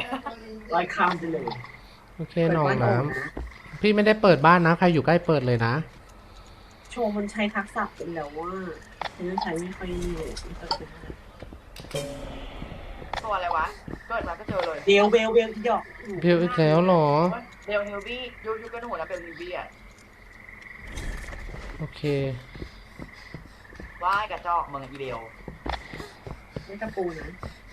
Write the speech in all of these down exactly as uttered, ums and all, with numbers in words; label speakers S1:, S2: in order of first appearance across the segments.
S1: ลอยข้ามไปเลย
S2: โอเคหนองน้ำพี่ไม่ได้เปิดบ้านนะใครอยู่ใกล้เปิดเลยนะ
S1: โชว์มันใช้ทักษะเป็นแล้วว่าฉันใช้ไม่ค่อยเลย
S3: ตัวอะไรวะเกิดมาก็เจอเลย
S1: เบลเบลเบลที่ดอก
S2: เบลอีกแล้วหรอ
S3: เบลเฮลวี่ยูยูก็หนูนะเบลเฮลวี่อ่ะ
S2: โอเค
S3: ว่ายกระจอกเมืองอีเบล
S1: ไม่ตะปูนะ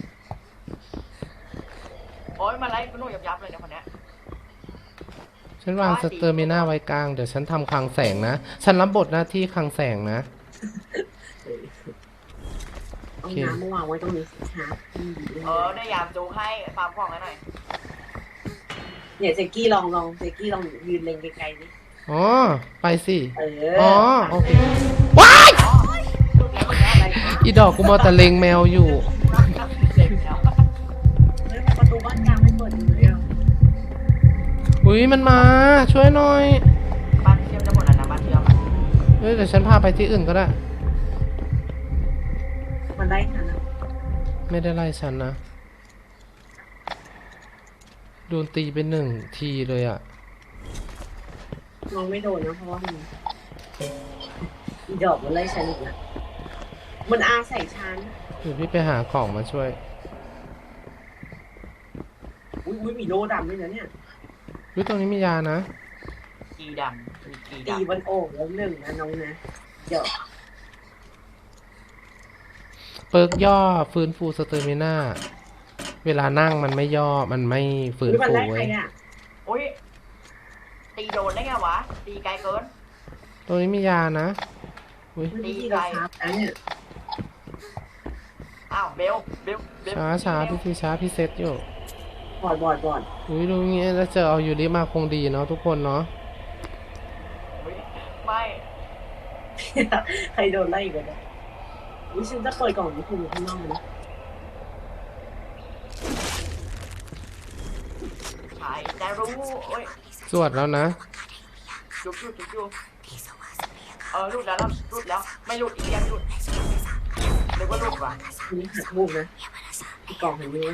S3: โอ้ยมาไล่ก็หนูยับยับเลยเนี่ยคนเนี้ย
S2: ฉันวางสเตอร์มิน่าไว้กลางเดี๋ยวฉันทำคลังแสงนะฉันรับบทหน้าที่คลังแสงนะ
S1: เอาน้ำมาวางไว้ตรงนี้ครับ
S3: เออได้ยามจูให้ฟาร์มของให้หน่อย
S1: เนี่ยเจกกี้ลองลองเจกกี้ลองยืนเล็งไกลๆดิ
S2: อ๋อไปสิ
S1: อ๋
S2: อโอเคว้ายอีดอกกูมอแต่เล็งแมวอยู่
S1: ประตูบ้านกลางไม่เปิดอยู่เลยอ่ะ
S2: อุ้ยมันมาช่วยหน่อย
S3: บ้านเชื่อมจะหมดแล้วนะบ้านเชื่อม
S2: เฮ้ยเดี๋ยวฉันพาไปที่อื่นก็ได้
S1: มันไล่ฉันนะ
S2: ไม่ได้ไล่ฉันนะโดนตีไปหนึ่งทีเลยอ่ะ
S1: น้องไม่โดนนะเพราะว่ามันอีดอกมันไล่ฉันอีกนะมันอาใส่ฉัน
S2: เดี๋ยวพี่ไปหาของมาช่วย
S1: อุ้ยอุ้ยมีโลดำด้วยนะเนี่ย
S2: วิตรงนี้มียานะ
S3: กีดำกีดำ
S1: ตีบนโอ่งแล้วหนึ่งนะน้องนะเดี๋ยว
S2: เปิร์กย่อฟื้นฟูสเตอร์มิน่าเวลานั่งมันไม่ย่อมันไม่ฟื้นฟูเว้ย
S3: โอ้ยตีโดนได้ไงวะตีไกลเกิน
S2: ตรงนี้มียานะอุ้ย
S1: ตีไกลเนี่ย
S3: อ้าวเบลเบล
S2: ช้าช้าพี่ทีช้าพี่เซตอยู่
S1: บอดบอดบอด
S2: อุ้ยดูงี้แล้วเจอเอายูริมาคงดีเนาะทุกคนเนาะ
S3: ไม่
S1: ใครโดนไล่อีกแล้ววิฉันจะเปิดกล่องนี้คุณอยู่ข้างนอกนะ
S3: ใช่แต่รู้โอ้ย
S2: สวดแล้วนะ
S3: จุ๊บจุ๊บจุ๊บจุ๊บเออรูดแล้วรูดแล้วไม่รูดอีกยังรูดนึกว่ารูดว่ะ
S1: นี่หักมุกนะกล่องเห็นไหม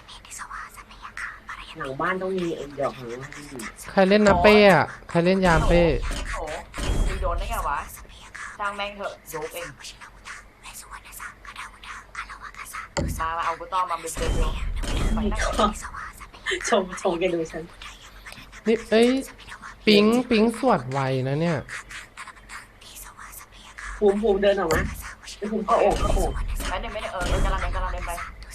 S1: หลังบ้านต้องมีไอ้ดอกของมัน
S2: ใครเล่นนาเป้อะใครเล่นยามเป้
S3: โอ้ตีโดนได้ไงวะช่างแม่งเถอะโยกเองมามาเอากุต้อมาเป็นเดียวไปนั่ง
S1: ชมชมแกดูฉัน
S2: นี่เอ้ยปิ๊งปิ๊งสวดไวนะเนี่ย
S1: ภูมิภูมิเดินออกมาภูมิเข้าโอ่งเข้าโอ่ง
S3: ไม่ได้ไม่ได้เออกำลังเดินกำลังเดินไป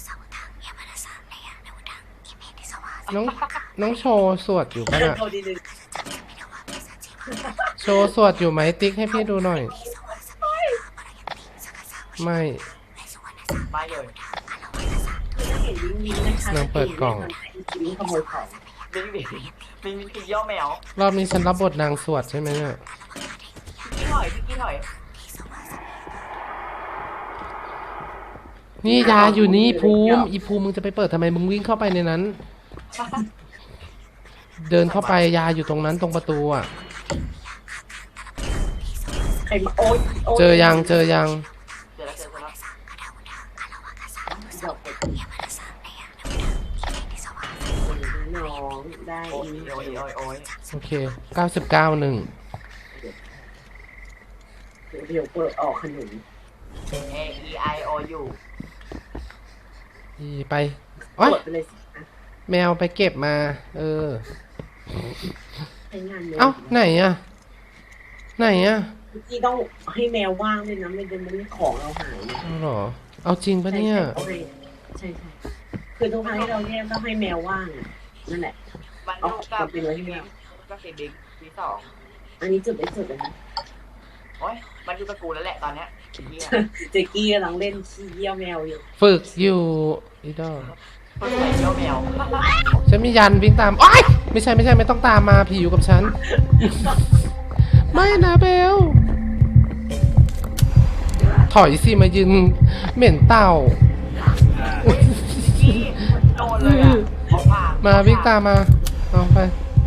S2: น้องน้องโชว์สวดอยู่ปะน่ะโชว์สวดอยู่ไหมติ๊กให้พี่ดูหน่อยไม่
S3: ไม่เลย
S2: นางเปิดกล่อง
S3: บิงบิงบิงบิงตีย่อแมว
S2: รอบนี้ฉันรับบทนางสวดใช่ไหมเนี่ย
S3: พี่ถอยพี่ถอย
S2: นี่ยาอยู่นี่ภูมิอีภูมิมึงจะไปเปิดทำไมมึงวิ่งเข้าไปในนั้นเดินเข้าไปยาอยู่ตรงนั้นตรงประตูอ่ะเจอยังเจอยัง
S3: เจอแล้วเจอแล้ว
S1: น้องได้
S3: โอ้ยโอ้ยโอ้ยโอ้ย
S2: โอเคเก้าสิบเก้าหนึ่ง
S1: เดี๋ยวเปิดออกขนม
S3: A E I O U
S2: อีไปโอ๊ยแมวไปเก็บมาเออเอ้าไหนอ่ะไหนอ่ะ
S1: พี่ต้องให้แมวว่างด้วยนะไม่งั้นมันของเราหาย
S2: เอาหรอเอาจริงปะเนี่ย
S1: ใช่ใช่คือทุกครั้งที่เราแยกต้องให้แมวว่างนั่นแหละ
S3: มันดูกับเป็นอะไรที่แมวก็เสียบิ๊กทีสอง
S1: อันนี้จุดได้จุดเลยนะ
S3: โอ้ยมันอยู่กับกูแล้วแหละตอนเนี้ย
S1: เจกี้กำลังเล่นขี้เยี่ยวแมวอยู่
S2: ฝึกอยู่อีดอ
S3: ฝึกเยี่ยวแมว
S2: ฉันมียันวิ่งตามโอ๊ยไม่ใช่ไม่ใช่ไม่ต้องตามมาผีอยู่กับฉันไม่นะเบลถอยสิมายืนเหม็นเต่า
S3: โดนเลยอ่ะ
S2: มาวิ่งตามมาเอาไป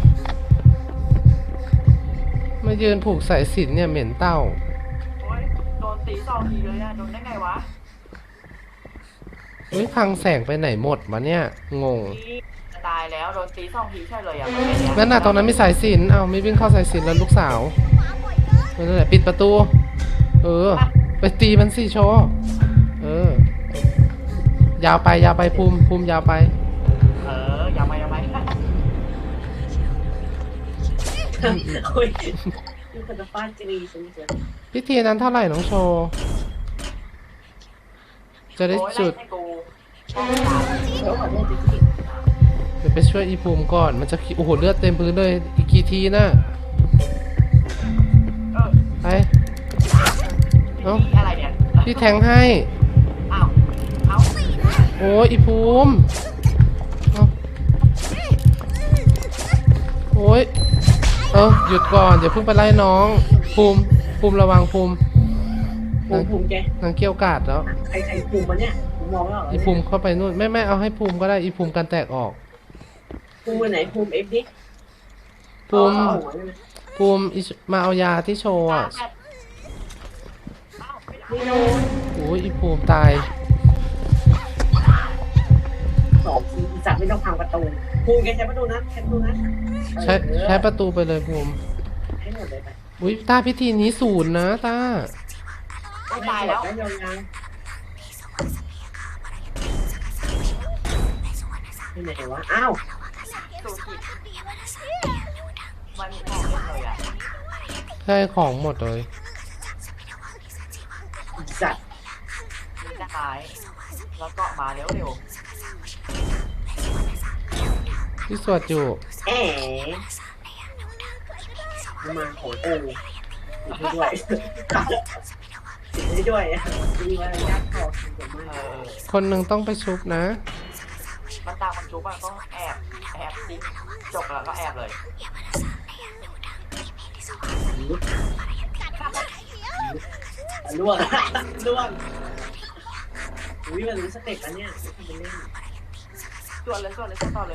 S2: มายืนผูกสายสิญจน์เนี่ยเหม็นเต่า
S3: โอ้ยโดนตีสองทีเลยอ่ะโดนได้ไงวะ
S2: เฮ้ยพังแสงไปไหนหมดวะเนี่ยงง
S3: พี่จะตายแล้วโดนตีสองทีใช่เลยอ่ะไม่ได้
S2: นั่นน่ะตรงนั้นมีสายสิญจน์เอาไม่วิ่งเข้าสายสิญจน์แล้วลูกสาวนั่นแหละปิดประตู เออ ไปตีมันสิโชว์เออยาวไปยาวไปภูมิภูมิยาวไป
S3: เอออย่าไปอย่าไป
S1: โอ้ยนี่คือจะฟาดจีรีฉันเจอ
S2: พิธีนั้นเท่าไหร่น้องโชว์จะได้
S3: โอ้ย
S2: จุด
S3: ไล่ให้กู
S1: แล้วขอโทษจริง
S2: เดี๋ยวไปช่วยอีภูมิก่อนมันจะโอ้โหเลือดเต็มพื้นเลยอีกกี่ทีนะ
S3: เออ
S2: ไปเอ้า
S3: พี่อะไรเนี่ย
S2: พี่แทงให้
S3: อ้าวเอ้า
S2: โอ้ยอีภูมิเอ้าโอ้ยเออหยุดก่อนเดี๋ยวเพิ่งไปไล่น้องภูมิภูมิระวังภูมิ
S1: ๆภูมิภูมิแก
S2: นางเกี้ยวกาดแล้ว
S1: ใครใครภูมิมันเนี่ยผมมองไม่ออก
S2: อีภูมิเข้าไปนู่นไม่ไม่เอาให้ภูมิก็ได้อีภูมิกันแตกออก
S1: ภูมิไหนภูมิเอฟดิ
S2: ภูมิ
S1: เอาหัวเลยนะ
S2: ภูมิอีมาเอายาที่โชว์อ่ะ
S1: ไม่โดน
S2: โอ้ยอีภูมิตาย
S1: สองทีจับไม่ต้องพังประตูภูมิแกใช้ประตูนั้นใช้ประตูนั้น
S2: ใช้ใช้ประตูไปเลยภูมิ
S1: ให้หมดเลยไป
S2: อุ้ยต้าพิธีนี้ศูนย์นะต้า
S3: ไม่ตายแล้ว
S1: ได้ยาวๆที่ไหนวะอ้าว
S3: สูกิมันมองไม่เลยอ่ะ
S2: ได้ของหมดเลย
S1: จัด
S3: มีจะหายแล้วก็มาเร็วเร็ว
S2: ที่สวดอยู่
S1: แอ๋มาโหโอ้ติดด้วยติดด้วยมีอะไรยากพอสม
S3: เอ
S1: มาก
S3: อ
S2: คนหนึ่งต้องไปชุบนะ
S3: มันตามคนชุบมันก็แอบแอบดิ้งจบแล้วก็แอบเลย
S1: ล่วงล่วงอุ้ยมันรู้สเต็ปแล้วเนี่ยไม่ทำเป็นเล่น
S3: ส่วนเลยส่วนเลยส่วนต่อเลย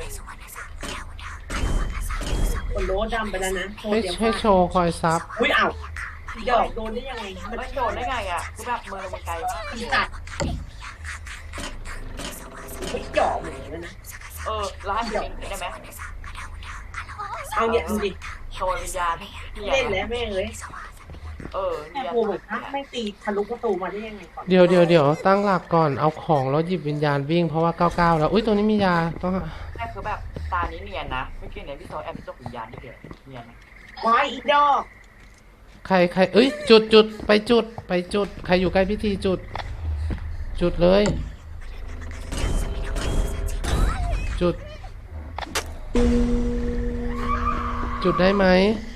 S1: คนโลดำไปแล้วนะโชว์
S2: ให้
S1: เตรียม
S2: ให้โชว์คอยซับ
S1: อุ้ยอ้าวหยอกโดนได้ยังไง
S3: ไม่โดนได้ไงอ่ะกูแบบมือมันไกลมาก
S1: อีสัตว์ไม่หยอกเหมือนกันนะ
S3: เออร้านเองได้ไหม
S1: เอาเนี่ยดูดิ
S3: โชว์วิญญาณ
S1: เล่นแล้วแม่งเลย
S3: เออ
S1: แม่กูเหมือนพักไม่ตีทะลุประตูมาได้ยังไงก่อน
S2: เดี๋ยวเดี๋ยวเดี๋ยวตั้งหลักก่อนเอาของแล้วหยิบวิญญาณวิ่งเพราะว่าเก้าเก้าแล้วอุ้ยตรงนี้มียาต้อง
S3: แม่คือแบบตานี้เนียนนะเมื่อกี้เนี่ยพี่โซแอบไปจกวิญญาณนี่เดียวเนียนนะ
S1: วายอีดอก
S2: ใครใครเอ้ยจุดจุดไปจุดไปจุดใครอยู่ใกล้พิธีจุด จุดเลย จุด จุดได้ไหม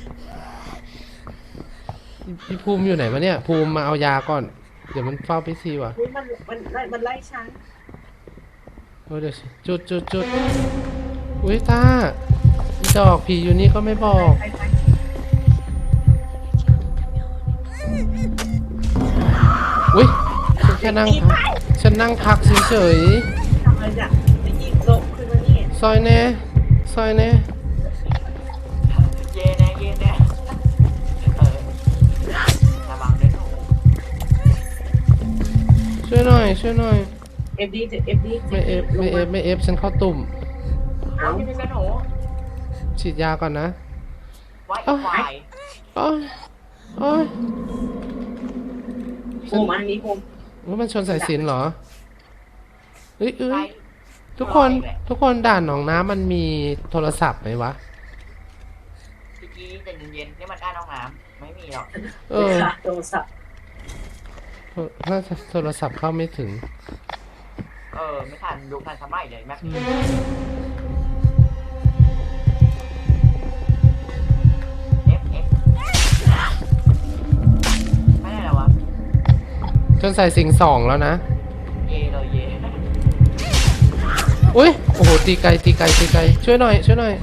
S2: พี่ภูมิอยู่ไหนวะเนี่ยภูมิมาเอายาก่อน เดี๋ยวมันเฝ้าพิธีว่ะ
S1: อุ้ยมันมันมันไล่ฉัน
S2: เออเดี๋ยวจุดจุดจุดอุ้ยตาอีดอกผีอยู่นี่ก็ไม่บอก
S1: ไปไป
S2: อุ้ยฉันแค่นั่งพักฉันนั่งพักเฉย
S1: ทำอะไรเนี่ยไปยิงโต๊ะขึ้นมานี่
S2: ๆซอยแน่ซอยแน่
S3: เย่แน่เย่แน่เออระวังด้วยหนู
S2: ช่วยหน่อยช่วยหน่อย
S1: เอฟดีเอฟดี
S2: ไม่เอฟไม่เอฟไม่เอฟฉันเข้าตุ่ม
S3: เอาพี่เป็นหนู
S2: ฉีดยาก่อนนะ
S3: ไว้อีกฝ่าย
S2: โอ้ยโอ้ย
S1: โคมอันนี้โคม
S2: ว่ามันชนสายสิญจน์เหรอเอ้ยเอ้
S3: ไป
S2: ยทุกคนทุกคนด่านหนองน้ำมันมีโทรศัพท์ไหมวะ
S3: เมื่อกี้ใจเย็นๆนี่มันด้านห้องน้ำไม่มีหรอก
S2: เออ
S1: โทรศัพท์
S2: น่าจะโทรศัพท์เข้าไม่ถึง
S3: เออไม่ทันดูทันสมัยเลยแม็ก
S2: อืม
S3: เอฟเอฟไม่ได้แล้ววะ
S2: จนใส่สิงสองแล้วนะ
S3: เยเลยเย
S2: อุ้ยโอ้โหตีไกลตีไกลตีไกลช่วยหน่อยช่วยหน่อย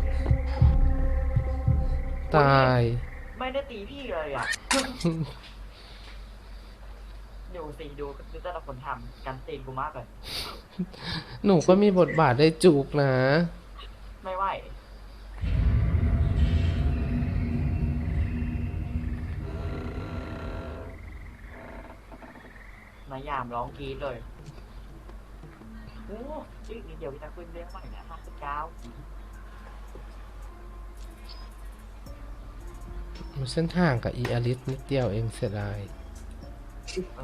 S2: ตาย
S3: ไม่ได้ตีพี่เลยอ่ะดูสิดูดูแต่ละคนทำกันตีกูมากเลย
S2: หนูก็มีบทบาทได้จุกนะ
S3: ไม่ไหวมายามร้องกรีดเลยโอ้ชื่อนี้เดี๋ยวจะขึ้นเรื่องใหม่นะห้าสิบเก้า
S2: มันเส้นทางกับอีอลิสนิดเดียวเองเสียดาย
S3: เอ